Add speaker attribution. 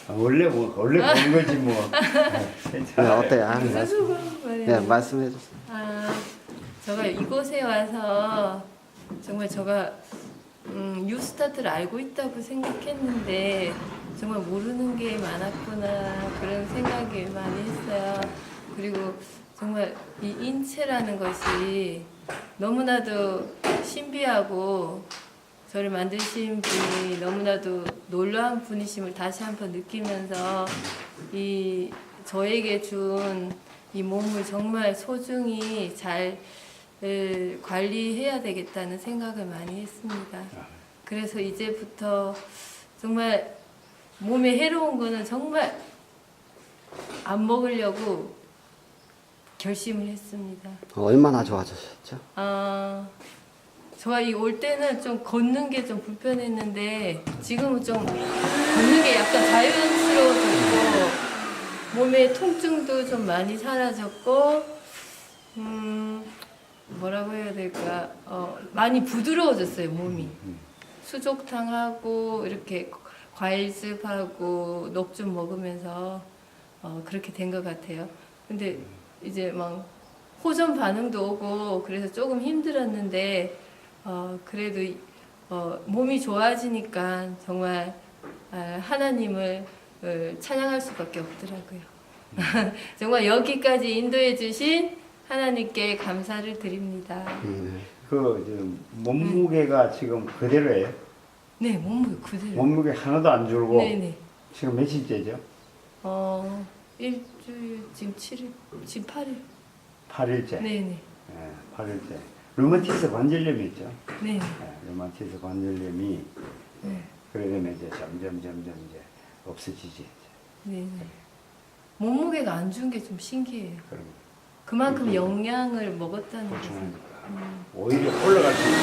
Speaker 1: 원래 보는 거지 뭐.
Speaker 2: 네,
Speaker 1: 괜찮아요.
Speaker 2: 어때요? 아,
Speaker 3: 무슨
Speaker 2: 말씀,
Speaker 3: 수고 말이에요.
Speaker 2: 네, 말씀해 주세요.
Speaker 3: 제가 이곳에 와서 정말 제가 뉴스타트를 알고 있다고 생각했는데 정말 모르는 게 많았구나 그런 생각을 많이 했어요. 그리고 정말 이 인체라는 것이 너무나도 신비하고 저를 만드신 분이 너무나도 놀라운 분이심을 다시 한번 느끼면서 이 저에게 준 이 몸을 정말 소중히 잘 관리해야 되겠다는 생각을 많이 했습니다. 그래서 이제부터 정말 몸에 해로운 거는 정말 안 먹으려고 결심을 했습니다.
Speaker 2: 얼마나 좋아지셨죠?
Speaker 3: 저가 이 올 때는 좀 걷는 게 좀 불편했는데 지금은 좀 걷는 게 약간 자연스러워졌고 몸의 통증도 좀 많이 사라졌고 뭐라고 해야 될까 많이 부드러워졌어요 몸이. 수족탕하고 이렇게 과일즙하고 녹 좀 먹으면서 그렇게 된 것 같아요. 근데 이제 막 호전 반응도 오고 그래서 조금 힘들었는데 그래도 몸이 좋아지니까 정말 하나님을 찬양할 수밖에 없더라고요. 정말 여기까지 인도해 주신 하나님께 감사를 드립니다.
Speaker 1: 그 몸무게가 지금 그대로예요?
Speaker 3: 네, 몸무게 그대로.
Speaker 1: 몸무게 하나도 안 줄고.
Speaker 3: 네네.
Speaker 1: 지금 며칠째죠?
Speaker 3: 일주일 지금 7일, 지금 8일.
Speaker 1: 8일째.
Speaker 3: 네네.
Speaker 1: 8일째. 류마티스 관절염이 있죠?
Speaker 3: 네.
Speaker 1: 류마티스 관절염이
Speaker 3: 네.
Speaker 1: 그러면 이제 점점 이제 없어지지.
Speaker 3: 네. 몸무게가 안 준 게 좀 신기해요.
Speaker 1: 그럼
Speaker 3: 그만큼 영양을 먹었다는 거죠.
Speaker 1: 보충하니까 오히려 올라갈 수 있는